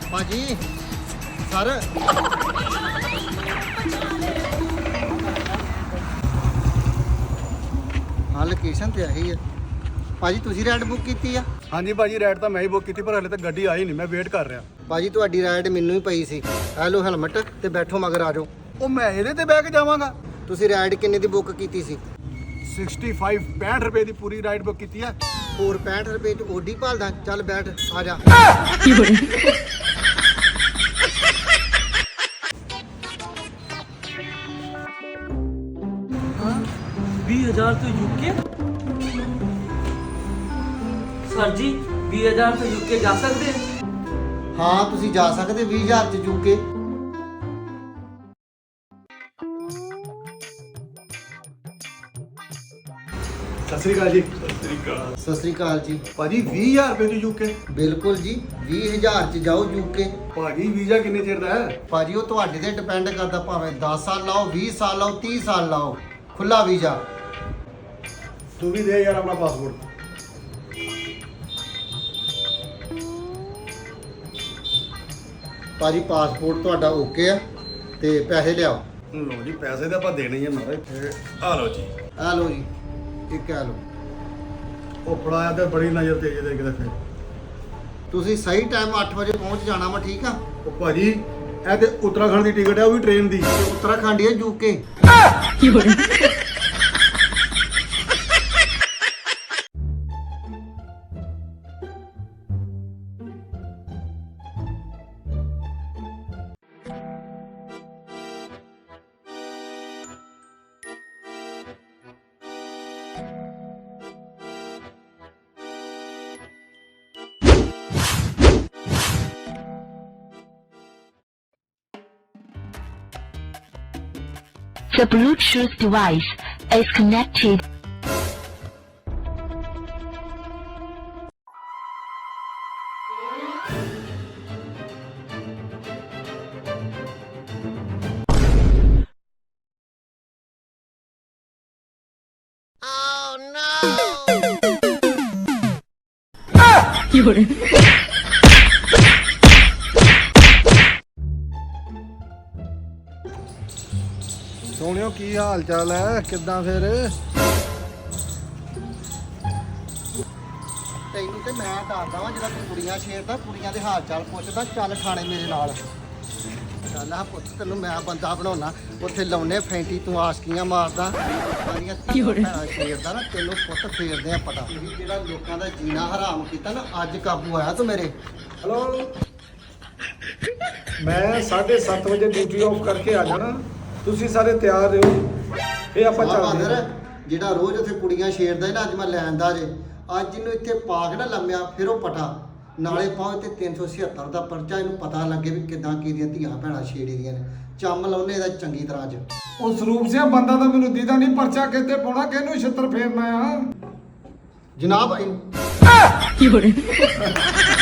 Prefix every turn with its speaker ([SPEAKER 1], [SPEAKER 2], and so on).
[SPEAKER 1] ਭਾਜੀ ਸਰ ਹਾਂ ਲੋਕੇਸ਼ਨ ਤੇ ਆਹੀ ਹੈ ਭਾਜੀ। ਤੁਸੀਂ ਰਾਈਡ ਬੁੱਕ ਕੀਤੀ ਆ?
[SPEAKER 2] ਹਾਂਜੀ ਭਾਜੀ, ਰਾਈਡ ਤਾਂ ਮੈਂ ਹੀ ਬੁੱਕ ਕੀਤੀ, ਪਰ ਹਲੇ ਤੱਕ ਗੱਡੀ ਆਈ ਨਹੀਂ, ਮੈਂ ਵੇਟ ਕਰ ਰਿਹਾ।
[SPEAKER 1] ਭਾਜੀ ਤੁਹਾਡੀ ਰਾਈਡ ਮੈਨੂੰ ਹੀ ਪਈ ਸੀ। ਆ ਲਓ ਹੈਲਮਟ ਤੇ ਬੈਠੋ ਮਗਰ ਆ ਜਾਓ।
[SPEAKER 2] ਉਹ ਮੈਂ ਇਹਦੇ ਤੇ ਬਹਿ ਕੇ ਜਾਵਾਂਗਾ?
[SPEAKER 1] ਤੁਸੀਂ ਰਾਈਡ ਕਿੰਨੇ ਦੀ ਬੁੱਕ ਕੀਤੀ ਸੀ?
[SPEAKER 2] 65 ਰੁਪਏ ਦੀ ਪੂਰੀ ਰਾਈਡ ਬੁੱਕ ਕੀਤੀ ਹੈ।
[SPEAKER 1] ਹੋਰ 65 ਰੁਪਏ ਚ ਓਡੀ ਭਾਲਦਾ? ਚੱਲ ਬੈਠ ਆ ਜਾ।
[SPEAKER 3] 20,000 ਤੋਂ ਯੂਕੇ? ਸਰ ਜੀ 20,000 ਤੋਂ ਯੂਕੇ ਜਾ ਸਕਦੇ?
[SPEAKER 1] ਹਾਂ ਤੁਸੀਂ ਜਾ ਸਕਦੇ 20,000 ਚ ਯੂਕੇ।
[SPEAKER 2] ਸਤਿ ਸ੍ਰੀ ਅਕਾਲ ਜੀ।
[SPEAKER 1] ਸਤਿ ਸ੍ਰੀ ਅਕਾਲ ਜੀ।
[SPEAKER 2] ਭਾਜੀ 20,000 ਰੁਪਏ ਦੀ ਯੂਕੇ?
[SPEAKER 1] ਬਿਲਕੁਲ ਜੀ 20,000 ਚ ਜਾਓ ਯੂਕੇ।
[SPEAKER 2] ਭਾਜੀ ਵੀਜ਼ਾ ਕਿੰਨੇ ਚਿਰ ਦਾ ਹੈ?
[SPEAKER 1] ਭਾਜੀ ਉਹ ਤੁਹਾਡੇ ਤੇ ਡਿਪੈਂਡ ਕਰਦਾ, ਭਾਵੇਂ 10 ਸਾਲ ਲਾਓ 20 ਸਾਲ ਲਾਓ 30 ਸਾਲ ਲਾਓ, ਖੁੱਲਾ ਵੀਜ਼ਾ।
[SPEAKER 2] ਤੂੰ ਵੀ ਦੇ ਯਾਰ ਆਪਣਾ ਪਾਸਪੋਰਟ।
[SPEAKER 1] ਭਾਜੀ ਪਾਸਪੋਰਟ ਤੁਹਾਡਾ ਓਕੇ ਆ ਤੇ ਪੈਸੇ ਲਿਆਓ।
[SPEAKER 2] ਲੋ ਜੀ, ਪੈਸੇ ਤਾਂ ਆਪਾਂ ਦੇਣੇ ਹੀ ਆ ਮਹਾਰਾਜ। ਆ ਲਓ ਜੀ।
[SPEAKER 1] ਆ ਲਓ ਜੀ, ਇੱਕ ਆ ਲਓ।
[SPEAKER 2] ਉਹ ਫੜਾਇਆ ਤੇ ਬੜੀ ਨਜ਼ਰ ਤੇਜ਼ ਦੇ ਕਿਤੇ ਫਿਰ।
[SPEAKER 1] ਤੁਸੀਂ ਸਹੀ ਟਾਈਮ 8 ਵਜੇ ਪਹੁੰਚ ਜਾਣਾ ਵਾ, ਠੀਕ ਆ?
[SPEAKER 2] ਉਹ ਭਾਜੀ ਇਹ ਤੇ ਉੱਤਰਾਖੰਡ ਦੀ ਟਿਕਟ ਹੈ, ਉਹ ਵੀ ਟ੍ਰੇਨ ਦੀ।
[SPEAKER 1] ਤੇ ਉੱਤਰਾਖੰਡ ਹੈ UK.
[SPEAKER 4] The Bluetooth device is connected.
[SPEAKER 2] ਸੋਹਣਿਓ ਕੀ ਹਾਲ ਚਾਲ ਹੈ? ਕਿੱਦਾਂ ਫਿਰ?
[SPEAKER 1] ਤੈਨੂੰ ਤੇ ਮੈਂ ਦੱਸਦਾ ਵਾਂ, ਜਿਹੜਾ ਤੂੰ ਕੁੜੀਆਂ ਛੇੜਦਾ, ਕੁੜੀਆਂ ਦੇ ਹਾਲ ਚਾਲ ਪੁੱਛਦਾ, ਚੱਲ ਥਾਣੇ ਮੇਰੇ ਨਾਲ। ਚੱਲ ਆ ਪੁੱਤ, ਤੈਨੂੰ ਮੈਂ ਬੰਦਾ ਬਣਾਉਣਾ। ਉੱਥੇ ਲਾਉਨੇ ਫੈਂਟੀ, ਤੂੰ ਆਸ਼ਕੀਆਂ ਮਾਰਦਾ, ਸਾਰੀਆਂ ਭੈਣਾਂ ਛੇੜਦਾ ਨਾ, ਤੈਨੂੰ ਪੁੱਤ ਫੇਰਦੇ ਆ ਪਤਾ। ਜਿਹੜਾ ਲੋਕਾਂ ਦਾ ਜੀਣਾ ਹਰਾਮ ਕੀਤਾ ਨਾ, ਅੱਜ ਕਾਬੂ ਆਇਆ ਤੂੰ ਮੇਰੇ।
[SPEAKER 2] ਹਲੋ, ਮੈਂ 7:30 ਵਜੇ ਡਿਊਟੀ ਆਫ ਕਰਕੇ ਆ ਜਾਣਾ। ਤੁਸੀਂ ਸਾਰੇ ਤਿਆਰ ਰਹੋ, ਇਹ ਆਪਾਂ ਚੱਲਦੇ ਹਾਂ।
[SPEAKER 1] ਜਿਹੜਾ ਰੋਜ਼ ਉੱਥੇ ਕੁੜੀਆਂ ਛੇੜਦਾ ਨਾ, ਅੱਜ ਮੈਂ ਲੈਂਦਾ ਜੇ। ਅੱਜ ਇਹਨੂੰ ਇੱਥੇ ਪਾ ਕੇ ਨਾ ਲੰਮਿਆ, ਫਿਰ ਉਹ ਪਟਾ ਨਾਲੇ ਪਾਓ ਤੇ 376 ਦਾ ਪਰਚਾ, ਇਹਨੂੰ ਪਤਾ ਲੱਗੇ ਵੀ ਕਿੱਦਾਂ ਕੀਦੀਆਂ ਧੀਆਂ ਭੈਣਾਂ ਛੇੜੀ ਦੀਆਂ ਨੇ। ਚੰਮ ਲਾਉਨੇ ਇਹਦਾ ਚੰਗੀ ਤਰ੍ਹਾਂ ਅੱਜ।
[SPEAKER 2] ਉਹ ਸਰੂਪ ਸਿੰਘ ਬੰਦਾ ਤਾਂ ਮੈਨੂੰ ਦੀਦਾ ਨਹੀਂ, ਪਰਚਾ ਕਿੱਥੇ ਪਾਉਣਾ, ਕਿਹਨੂੰ ਛਿੱਤਰ ਫੇਰਨਾ ਆ
[SPEAKER 1] ਜਨਾਬ।